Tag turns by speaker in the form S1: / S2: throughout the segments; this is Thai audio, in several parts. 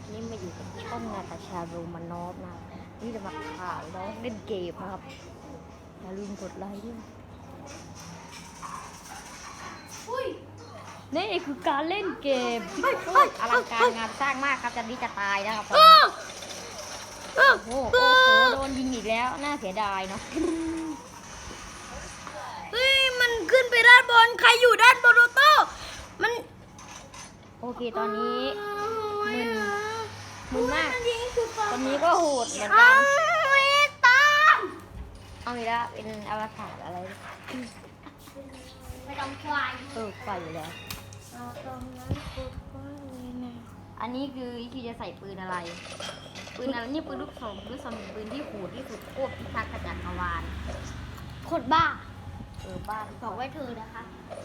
S1: นี่มาอยู่กับช่องนาตาชาโรมานอฟนะนี่จะมาข่าวน้องเล่นเกมนะครับอย่าลืมกดไลค์ด้วยนี่คือการเล่นเกมที่โคตรอลังการงานสร้างมากครับจันนี้จะตายนะครับโอ้โหโดนยิงอีกแล้วน่าเสียดายเนาะ
S2: เฮ้ยมันขึ้นไปด้านบนใครอยู่ด้านบนโอโต้มัน
S1: โอเคตอนนี้มึนมากตอนนี้ก็โหดเหมือนกันเอาอีกแล้วเป็นอวตารอะไร
S2: ไม่ต้องควาย
S1: ไฟอยู่แล้วอันนี้คือที่จะใส่ปืนอะไรปืนอะไรนี่ปืนลูกซองปืนที่โหดที่สุดโคตรพิทักษ์จักรวาล
S2: โคตรบ้า
S1: บ้าน
S2: บอกไว้เธอนะคะ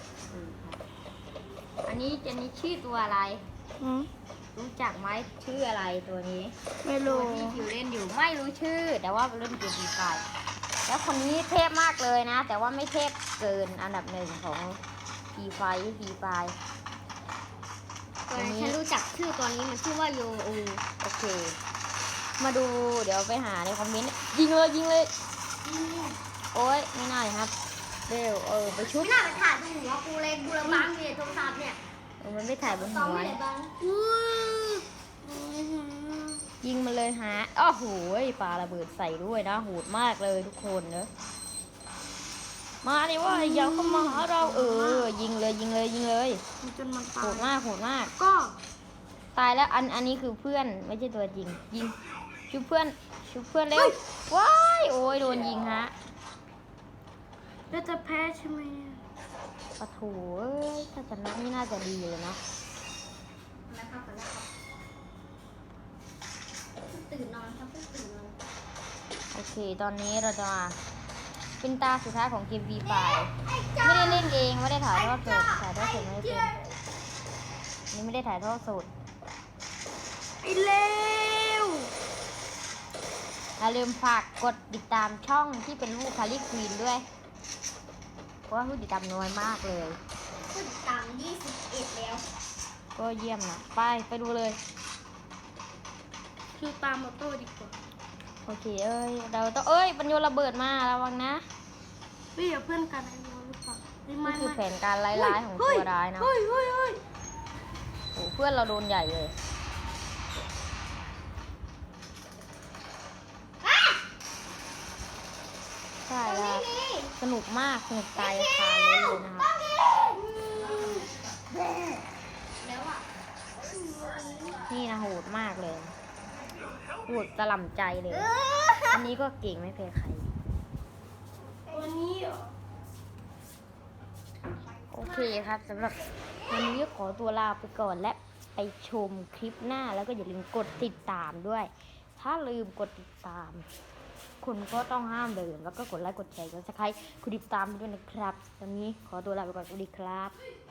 S1: อันนี้ชื่อตัวอะไรรู้จักไหมชื่ออะไรตัวนี้
S2: ไม่รู้
S1: ที่คิวเล่นอยู่ไม่รู้ชื่อแต่ว่าเล่นเกมฟรีไฟร์แล้วคนนี้เทพมากเลยนะแต่ว่าไม่เทพเกินอันดับหนึ่งของฟรีไฟร์
S2: ฉันรู้จักชื่อตัวนี้มันชื่อว่าโยอู
S1: โอเคมาดูเดี๋ยวไปหาในคอมเมนต์ยิงเลยโอ๊ยไม่น่าเลยครับเร็วไปชุบ
S2: ไม่น่าไปถ่ายบนหัวกูเลยบูรบังเนี่ยโทรศัพท์เนี่ย
S1: มันไม่ถ่ายบนหัวยิงมาเลยฮะอ้าวโหปาระเบิดใส่ด้วยนะโหดมากเลยทุกคนเนอะมาดิว่าอย่าเข้ามาหาเรายิงเลย
S2: จนมันตาย
S1: โหดมาก
S2: ก็
S1: ตายแล้วอันนี้คือเพื่อนไม่ใช่ตัวจริงยิงชุบเพื่อนเร็วว้ายโอ้ยโดนยิงฮะ
S2: แล้วจะแพ้ใช่ไหม
S1: ปะโถถ้าชนะนี่น่าจะดีเลยนะ
S2: ตื่นนอนครับตื่นนอน
S1: โอเคตอนนี้เราจะมาเป็นตาสุดท้ายของเกม V ไฟไม่ได้เล่นเองไม่ได้ถ่ายทอดสดไม่ได้เป็นนี่ไม่ได้ถ่ายทอดสด
S2: ไอ้เลว
S1: อย่าลืมฝากกดติดตามช่องที่เป็นลูกคาริควีนด้วยเพราะว่าผู้ติดตามน้อยมากเลย
S2: ผู้ติดตาม21แล้ว
S1: ก็เยี่ยมนะไปดูเลย
S2: คือตามมอโต้ดีกว่า
S1: โอเคเราต้องปัญโยระเบิดมาระวังนะ
S2: พี่อย่าเพื่อนกันไอ้โมหรือเปล่า
S1: นี่คือแผนการร้ายๆของตัวร้ายนะโอ้เพื่อนเราโดนใหญ่เลยใช่แล้วสนุกมากสนุกตายคาเลยนะครับนี่นะโหดมากเลยโหดตะล่ำใจเลยอันนี้ก็เก่งไม่แพ้ใคร
S2: วันนี้
S1: โอเคครับสำหรับวันนี้ขอตัวลาไปก่อนและไปชมคลิปหน้าแล้วก็อย่าลืมกดติดตามด้วยถ้าลืมกดติดตามคุณก็ต้องห้ามลืมแล้วก็กดไลค์กดแชร์กดซับสไครบ์กดติดตามด้วยนะครับวันนี้ขอตัวลาไปก่อนสวัสดีครับ